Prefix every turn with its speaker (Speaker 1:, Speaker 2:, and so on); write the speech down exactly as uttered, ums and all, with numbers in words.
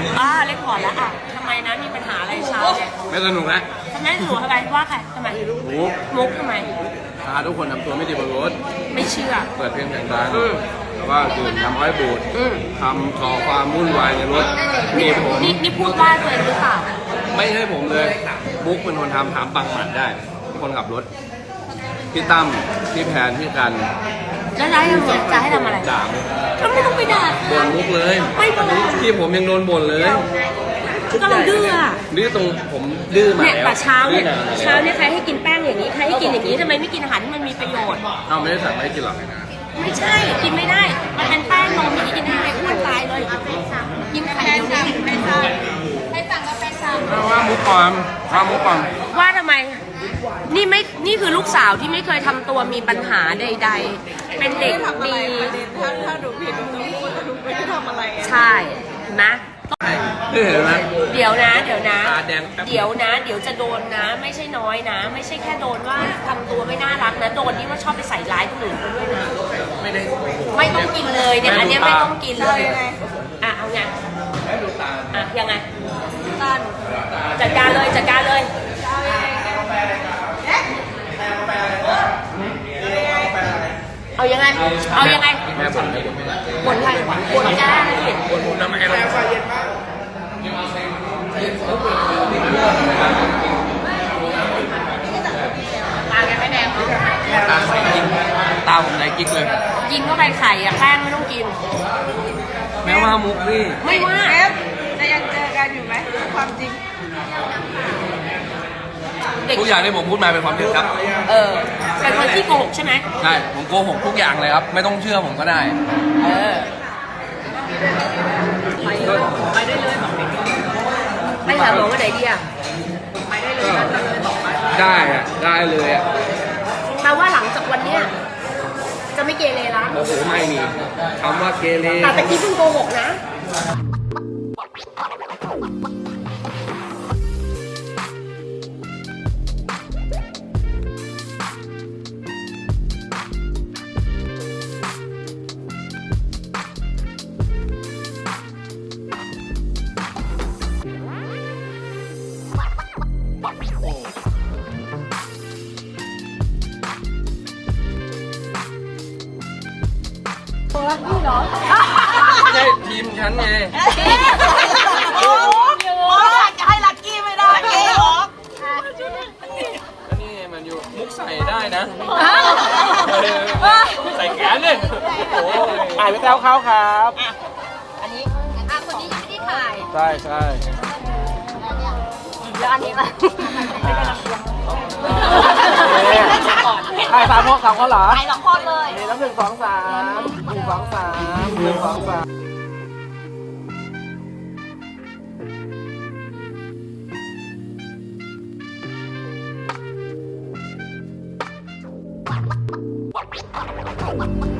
Speaker 1: อ่าเล่นก่อนแล้วอ่ะทำไมนะมีปัญหาอะไรเช้าเนี่ย
Speaker 2: ไม่สนุกนะ
Speaker 1: ทำไมหนูทำไมว่าใครทำไม
Speaker 2: มุก
Speaker 1: มุกทำไม
Speaker 2: พาทุกคนทำตัวไม่ดีบนรถ
Speaker 1: ไม่เชื่อ
Speaker 2: เปิดเพลงเสียงดังแล้วก็ดื่มน้ำอ้อยบูดทำก่อความวุ่นวายในรถนี่ผม
Speaker 1: นี่พูดว่าตัวเองหรือเปล่า
Speaker 2: ไม่ใช่ผมเลยมุกเป็นคนทำถามปังหมัดได้คนขับรถพี่ตั้มพี่แพนพี่กัน
Speaker 1: แล้วได้ยังไงจะให้ทำอะไร
Speaker 2: ด่า
Speaker 1: ก็ไม่ต้องไปด่า
Speaker 2: บ่นมุกเลย
Speaker 1: ไม่บ่น
Speaker 2: ที่ผมยังโดนบ่นเลย
Speaker 1: ก็เราดื้ออะ
Speaker 2: ดื้อตรงผมดื้อมาแล้ว
Speaker 1: เนี่ยแต่เช้าเนี่ยเช้าเนี่ยใครให้กินแป้งอย่างนี้ใครให้กินอย่างนี้ทำไมไม่กินอาหารที่มันมีประโยชน์
Speaker 2: เอาไม่ได้สั่งไม่ให้กินหรอก
Speaker 1: ไม่ใช่กินไม่ได้มันเป็นแป้งนมอย่างนี้กินได้อ้วนตายเลยกินไข่เดียวนี้ไม่ได้ให้สั่งก็เป็นสั่ง
Speaker 2: ว่ามุกปลอมว่ามุกปลอม
Speaker 1: ว่าทำไมนี่ไม่นี่คือลูกสาวที่ไม่เคยทำตัวมีปัญหาใดๆเป็นเด็กดี
Speaker 3: ถ้าถ้าดูผิดดูพูดดูไม่ได้ทำอะไร
Speaker 1: ใช่นะ
Speaker 2: เห็นไหม
Speaker 1: เดี๋ยวนะเดี๋ยวนะเดี๋ยวนะเดี๋ยวจะโดนนะไม่ใช่น้อยนะไม่ใช่แค่โดนว่าทำตัวไม่น่ารักนะโดนที่ว่าชอบไปใส่ร้ายคนอื่นด้วยนะ
Speaker 2: ไม่ได้
Speaker 1: ไม่ต้องกินเลยเนี่ยอันนี้ไม่ต้องกินเลยอ่ะเอาไงอ่ะยังไงจัดการเลยจัดการเลยเอายังไงเอายังไง
Speaker 2: แม่บ่น
Speaker 1: บ่นใครบ่นจ้าเลย
Speaker 2: บ่นผมทำไมเราไฟเย็นมาก
Speaker 1: ตาแกไม่แดง
Speaker 2: ตาใส่ยิงตาผมไหนกิ๊กเลย
Speaker 1: ยิงเข้าไปไข่อะแป้งไม่ต้องกิน
Speaker 2: แม้ว่ามุกนี่
Speaker 1: ไม่ว่า
Speaker 3: จะยังเจอกันอยู่ไหมความจริง
Speaker 2: ทุกอย่างที่ผมพูดมาเป็นความจริงครับ
Speaker 1: เออเป็นคนที่โกหกใช่ไหม
Speaker 2: ใช่ผมโกหกทุกอย่างเลยครับไม่ต้องเชื่อผมก็ได้
Speaker 1: เออไปไปได้เลยบอกไปหาหมอวันไหนดีอ่ะไปได้เลย
Speaker 2: ได้อะได้เลยอะ
Speaker 1: แปลว่าหลังจากวันเนี้ยจะไม่เกเรละ
Speaker 2: โอ้โหไม่มีคำว่าเกเร
Speaker 1: แต่ตะกี้เพิ่งโกหกนะนี่เหรอ
Speaker 2: ไม่ใช่ทีมฉันไง
Speaker 3: โอ้โหจะให้ลักกี้ไม่ได้เก๋หรอ
Speaker 2: นี่มันอยู่มุกใส่ได้นะใส่แขนเลยโอ้ถ่ายไปแต้วเขาครับ
Speaker 1: อันนี้อ่ะคนนี้ยังไม่ได้ถ่าย
Speaker 2: ใช่ใช่
Speaker 1: แล้วอันนี้ล่ะ
Speaker 2: ถ่ายสามคนสามคนเหรอ
Speaker 1: ถ่ายสองคนเลย
Speaker 2: นี่แล้วหนึ่งสองสามหนึ่งสองสามหนึ่งสองสาม
Speaker 1: What?